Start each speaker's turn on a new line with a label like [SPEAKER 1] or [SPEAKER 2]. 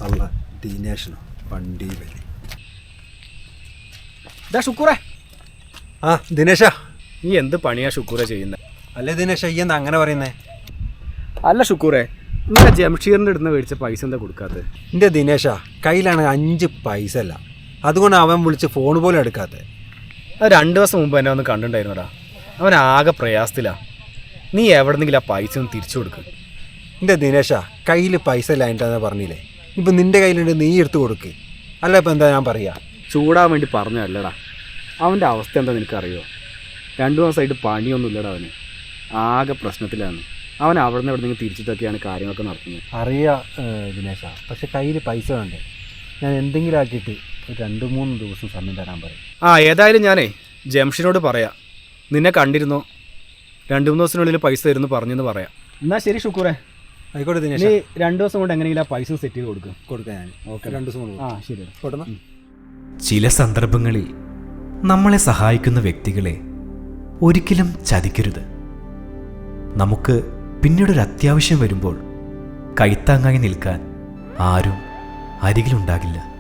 [SPEAKER 1] അല്ല ദിനേശനോ വണ്ടി വലി.
[SPEAKER 2] ഷുക്കൂറേ,
[SPEAKER 1] ആ ദിനേശ,
[SPEAKER 2] നീ എന്ത് പണിയാ ഷുക്കൂറെ ചെയ്യുന്നത്?
[SPEAKER 1] അല്ലേ ദിനേശ, ഈ എന്താ അങ്ങനെ പറയുന്നേ?
[SPEAKER 2] അല്ല ഷുക്കൂറെ, ഇന്നലെ ജംഷീറിൻ്റെ അടുത്ത് മേടിച്ച പൈസ എന്താ കൊടുക്കാത്തത്?
[SPEAKER 1] എൻ്റെ ദിനേശ കയ്യിലാണ് 5 പൈസ അല്ല, അതുകൊണ്ട് അവൻ വിളിച്ച് ഫോൺ പോലും എടുക്കാത്തത്.
[SPEAKER 2] അത് 2 ദിവസം മുമ്പ് എന്നെ ഒന്ന് കണ്ടിട്ടുണ്ടായിരുന്നടാ. അവൻ ആകെ പ്രയാസത്തിലാ. നീ എവിടെന്നെങ്കിലും ആ പൈസ ഒന്ന് തിരിച്ചു കൊടുക്ക്.
[SPEAKER 1] എൻ്റെ ദിനേശ കയ്യിൽ പൈസ ഇല്ലായിട്ടാന്ന് പറഞ്ഞില്ലേ, ഇപ്പം നിൻ്റെ കയ്യിലുണ്ട്, നീ എടുത്ത് കൊടുക്ക്. അല്ല ഇപ്പം എന്താ ഞാൻ പറയുക?
[SPEAKER 2] ചൂടാൻ വേണ്ടി പറഞ്ഞതല്ലടാ. അവൻ്റെ അവസ്ഥ എന്താ നിനക്കറിയോ? 2 ദിവസമായിട്ട് പണിയൊന്നുമില്ലടാ. അവന് ആകെ പ്രശ്നത്തിലാണ്. അവൻ അവിടെ നിന്ന് എവിടെന്നെങ്കിലും തിരിച്ചിട്ടൊക്കെയാണ് കാര്യങ്ങളൊക്കെ നടത്തുന്നത്.
[SPEAKER 1] അറിയാം ദിനേശ, പക്ഷെ കയ്യിൽ പൈസ വേണ്ടേ? ഞാൻ എന്തെങ്കിലും ആക്കിയിട്ട് ഒരു 2-3 ദിവസം സമയം തരാൻ പറയും.
[SPEAKER 2] ഏതായാലും ഞാനേ ജംഷീനോട് പറയാം. നിന്നെ കണ്ടിരുന്നോ, 2-3 ദിവസത്തിനുള്ളിൽ പൈസ തരുന്നു പറഞ്ഞെന്ന് പറയാം. എന്നാൽ ശരി ഷുക്കൂറെ,
[SPEAKER 1] ആയിക്കോട്ടെ ദിനേശ.
[SPEAKER 2] നീ 2 ദിവസം കൊണ്ട് എങ്ങനെയെങ്കിലും ആ പൈസ സെറ്റ് ചെയ്ത് കൊടുക്കാം
[SPEAKER 1] ഞാൻ.
[SPEAKER 2] ഓക്കെ,
[SPEAKER 1] 2 ദിവസം കൊണ്ട്.
[SPEAKER 2] ശരി
[SPEAKER 1] പോട്ടെന്നാ.
[SPEAKER 3] ചില സന്ദർഭങ്ങളിൽ നമ്മളെ സഹായിക്കുന്ന വ്യക്തികളെ ഒരിക്കലും ചതിക്കരുത്. നമുക്ക് പിന്നീടൊരു അത്യാവശ്യം വരുമ്പോൾ കൈത്താങ്ങായി നിൽക്കാൻ ആരും അരികിലുണ്ടാകില്ല.